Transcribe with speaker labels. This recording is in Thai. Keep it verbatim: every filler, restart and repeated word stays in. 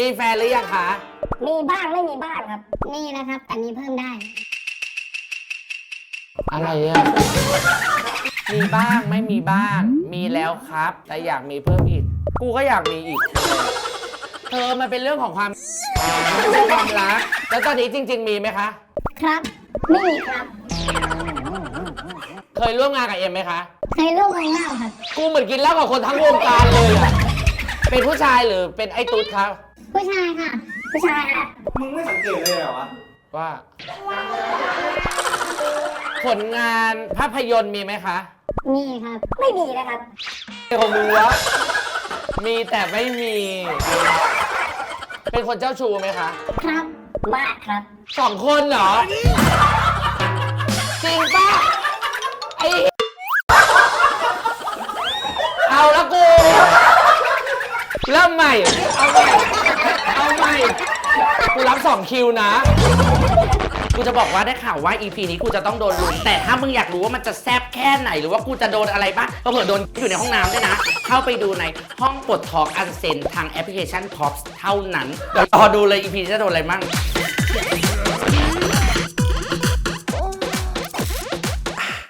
Speaker 1: แฟนหรือยังคะ
Speaker 2: มีบ้างไม่มีบ้างครับมีนะครับแต่มีเพิ่มได้
Speaker 1: อะไรอะมีบ้างไม่มีบ้าง มีแล้วครับ แต่อยากมีเพิ่มอีก กูก็อยากมีอีก เธอมันเป็นเรื่องของความไม่ใช่ความรัก แล้วตอนนี้จริง ๆ มีไหมคะ
Speaker 2: ครับไม่มีครับ
Speaker 1: เคยร่วมงานกับเอ็มไหมคะ
Speaker 2: เคยร่วมวงเล่าครับ
Speaker 1: กูเหมือนกินเหล้ากับคนทั้งวงการเลยอะเป็นผู้ชายหรือเป็นไอ้ตุ๊ดครับ
Speaker 2: ผู้ชายค่ะ ผู้ชายค่ะ
Speaker 3: มึงไม่สังเกตเลยเหรอวะ
Speaker 1: ว่า ผลงานภาพยนตร์มีไหมคะ
Speaker 2: มีครับ ไม่มีนะครับ
Speaker 1: ของมึงวะมีแต่ไม่มี เป็นคนเจ้าชู้ไหมคะ
Speaker 2: ครับมากครับ
Speaker 1: สองคนเหรอ จริงปะไอเอาละกู เริ่มใหม่ เอาใหม่ เอาใหม่ กูรับสองคิวนะ กูจะบอกว่าได้ข่าวว่า อี พี นี้กูจะต้องโดนลุมแต่ถ้ามึงอยากรู้ว่ามันจะแซ่บแค่ไหนหรือว่ากูจะโดนอะไรบ้างก็เผื่อโดนอยู่ในห้องน้ำด้วยนะ เข้าไปดูในห้องปลดทอกอันเซนทางแอปพลิเคชัน Pops เท่านั้น เดี๋ยวรอดูเลย อี พี จะโดนอะไรมั่ง